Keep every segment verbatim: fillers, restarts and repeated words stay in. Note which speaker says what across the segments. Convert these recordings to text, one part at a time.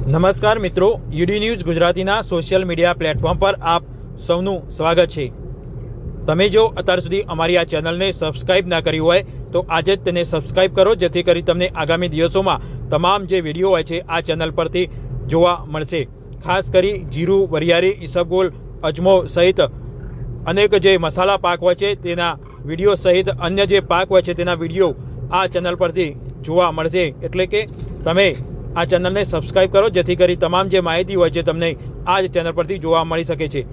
Speaker 1: નમસ્કાર મિત્રો, UD news ગુજરાતીના સોશિયલ મીડિયા પ્લેટફોર્મ પર આપ સૌનું સ્વાગત છે। તમે જો અત્યાર સુધી અમારી આ ચેનલને સબસ્ક્રાઇબ ના કરી હોય તો આજે જ તેને સબસ્ક્રાઇબ કરો, જેથી કરી તમને આગામી દિવસોમાં તમામ જે વિડીયો હોય છે આ ચેનલ પરથી જોવા મળશે। ખાસ કરી જીરું, વરિયાળી, ઈસબગોલ, અજમો સહિત અનેક જે મસાલા પાક હોય છે તેના વિડીયો સહિત અન્ય જે પાક હોય છે તેના વિડીયો આ ચેનલ પરથી જોવા મળશે। એટલે કે તમે આ ચેનલને સબસ્ક્રાઇબ કરો, જેથી કરી તમામ જે માહિતી હોય છે તમને આ જ ચેનલ પરથી જોવા મળી શકે છે।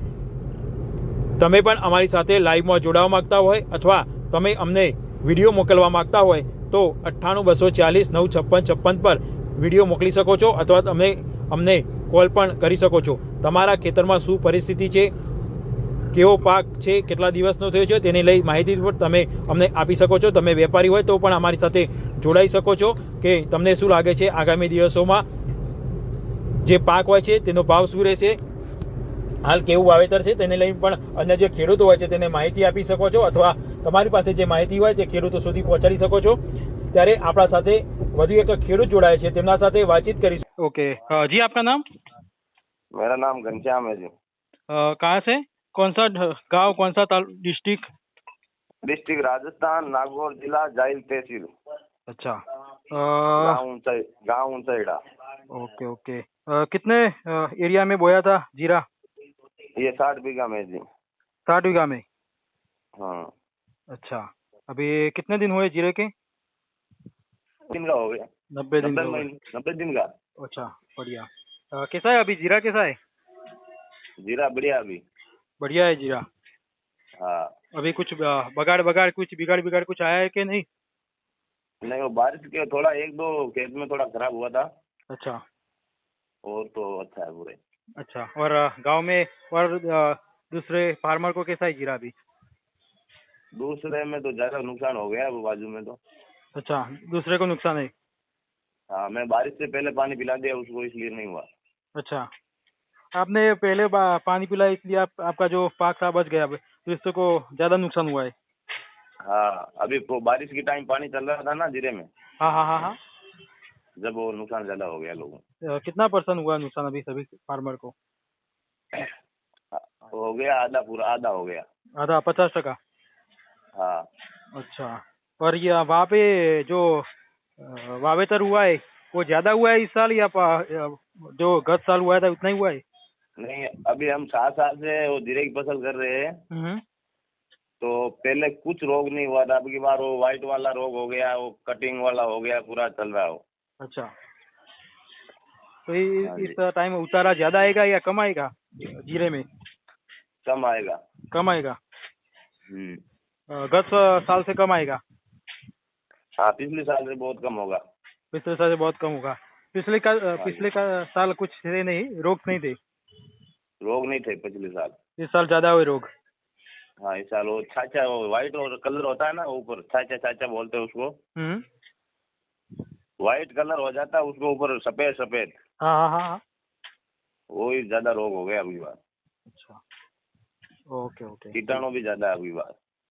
Speaker 1: તમે પણ અમારી સાથે લાઈવમાં જોડાવા માગતા હોય અથવા તમે અમને વિડીયો મોકલવા માગતા હોય તો અઠ્ઠાણું બસો ચાલીસ નવ છપ્પન છપ્પન પર વિડીયો મોકલી શકો છો અથવા તમે અમને કોલ પણ કરી શકો છો। તમારા ખેતરમાં શું પરિસ્થિતિ છે, કેવો પાક છે, કેટલા દિવસનો થયો છે તેને લઈ માહિતી પણ તમે અમને આપી શકો છો। તમે વેપારી હોય તો પણ અમારી સાથે જોડાઈ શકો છો કે તમને શું લાગે છે આગામી દિવસોમાં જે પાક હોય છે તેનો ભાવ શું રહેશે, હાલ કેવું વાવેતર છે તેને લઈ પણ અન્ય જે ખેડૂતો હોય છે તેને માહિતી આપી શકો છો અથવા તમારી પાસે જે માહિતી હોય તે ખેડૂતો સુધી પહોંચાડી શકો છો। ત્યારે આપણા સાથે વધુ એક ખેડૂત જોડાય છે, તેમના સાથે વાતચીત કરીશું।
Speaker 2: ओके अ, जी आपका नाम?
Speaker 3: मेरा नाम घनश्याम है जी।
Speaker 2: अ, कहाँ से? कौन सा ढ- गांव, कौन सा ताल डिस्ट्रिक्ट?
Speaker 3: डिस्ट्रिक्ट राजस्थान, नागौर जिला, जाइल तहसील,
Speaker 2: अच्छा। अ,
Speaker 3: गाँव ऊंचाई गाँव ऊंचाईड़ा।
Speaker 2: ओके ओके अ, कितने अ, एरिया में बोया था जीरा?
Speaker 3: ये साठ बीघा में है जी।
Speaker 2: साठ बीघा में।
Speaker 3: हाँ,
Speaker 2: अच्छा, अभी कितने दिन हुए जीरे के?
Speaker 3: दिन का हो गया।
Speaker 2: नब्बे दिन
Speaker 3: नब्बे
Speaker 2: हो गए।
Speaker 3: महीने नब्बे दिन का।
Speaker 2: अच्छा, बढ़िया। अ, कैसा है अभी जीरा, कैसा है?
Speaker 3: जीरा बढ़िया अभी।
Speaker 2: बढ़िया है जीरा।
Speaker 3: हाँ,
Speaker 2: अभी कुछ अ, बगाड़ बगाड़ कुछ बिगाड़ बिगाड़ कुछ आया है कि नहीं?
Speaker 3: नहीं वो बारिश के थोड़ा एक दो खेत में थोड़ा खराब हुआ था,
Speaker 2: अच्छा
Speaker 3: और तो अच्छा है पूरे।
Speaker 2: अच्छा। और अ, गांव में और अ, दूसरे फार्मर को कैसा है जीरा अभी?
Speaker 3: दूसरे में तो ज्यादा नुकसान हो गया वो बाजू में तो।
Speaker 2: अच्छा, दूसरे को नुकसान है।
Speaker 3: हाँ, मैं बारिश से पहले पानी पिला दिया उसको, इसलिए नहीं हुआ।
Speaker 2: अच्छा, आपने पहले बा- पानी पिलाया इसलिए आप, आपका जो पाक था बच गया, तो इससे को ज्यादा नुकसान हुआ है।
Speaker 3: हाँ, अभी वो बारिश की टाइम पानी चल रहा था ना जीरे में,
Speaker 2: हाँ हाँ हाँ हाँ।
Speaker 3: जब वो नुकसान ज्यादा हो गया लोगों
Speaker 2: अ, कितना परसेंट हुआ नुकसान अभी सभी फार्मर को?
Speaker 3: को। हो गया आधा, पूरा आधा हो गया।
Speaker 2: आधा, पचास टका।
Speaker 3: हाँ,
Speaker 2: अच्छा, और ये वहाँ पे जो अ, वावेतर हुआ है वो ज्यादा हुआ है इस साल या पा- अ, जो गत साल हुआ था उतना ही हुआ है?
Speaker 3: नहीं अभी हम सात साल से वो जीरे की फसल कर रहे हैं,
Speaker 2: हम्म।
Speaker 3: तो पहले कुछ रोग नहीं हुआ था। अब की बार वो व्हाइट वाला रोग हो गया, वो कटिंग वाला हो गया, पूरा चल रहा है वो।
Speaker 2: अच्छा, तो इ-
Speaker 3: हाँ जी।
Speaker 2: इस टाइम उतारा ज्यादा आएगा या कम आएगा जीरे में?
Speaker 3: कम आएगा।
Speaker 2: कम आएगा।
Speaker 3: हम्म।
Speaker 2: अ, गत साल से कम आएगा।
Speaker 3: हाँ, पिछले साल से बहुत कम होगा।
Speaker 2: पिछले साल से बहुत कम होगा। पिछले का
Speaker 3: हाँ
Speaker 2: पिछले का साल कुछ थे नहीं, रोग नहीं थे।
Speaker 3: रोग नहीं थे पिछले साल।
Speaker 2: इस साल ज्यादा हुए रोग।
Speaker 3: हाँ, इस साल वो छाछा, वो व्हाइट और कलर होता है ना ऊपर, छाछा छाछा बोलते हैं उसको।
Speaker 2: हम्म।
Speaker 3: व्हाइट कलर हो जाता है उसको, ऊपर सफेद सफेद,
Speaker 2: हाँ हाँ हाँ हाँ।
Speaker 3: वो ही ज्यादा रोग हो गया अभी बार।
Speaker 2: अच्छा, ओके ओके।
Speaker 3: कीटाणु भी ज्यादा है अभी बार।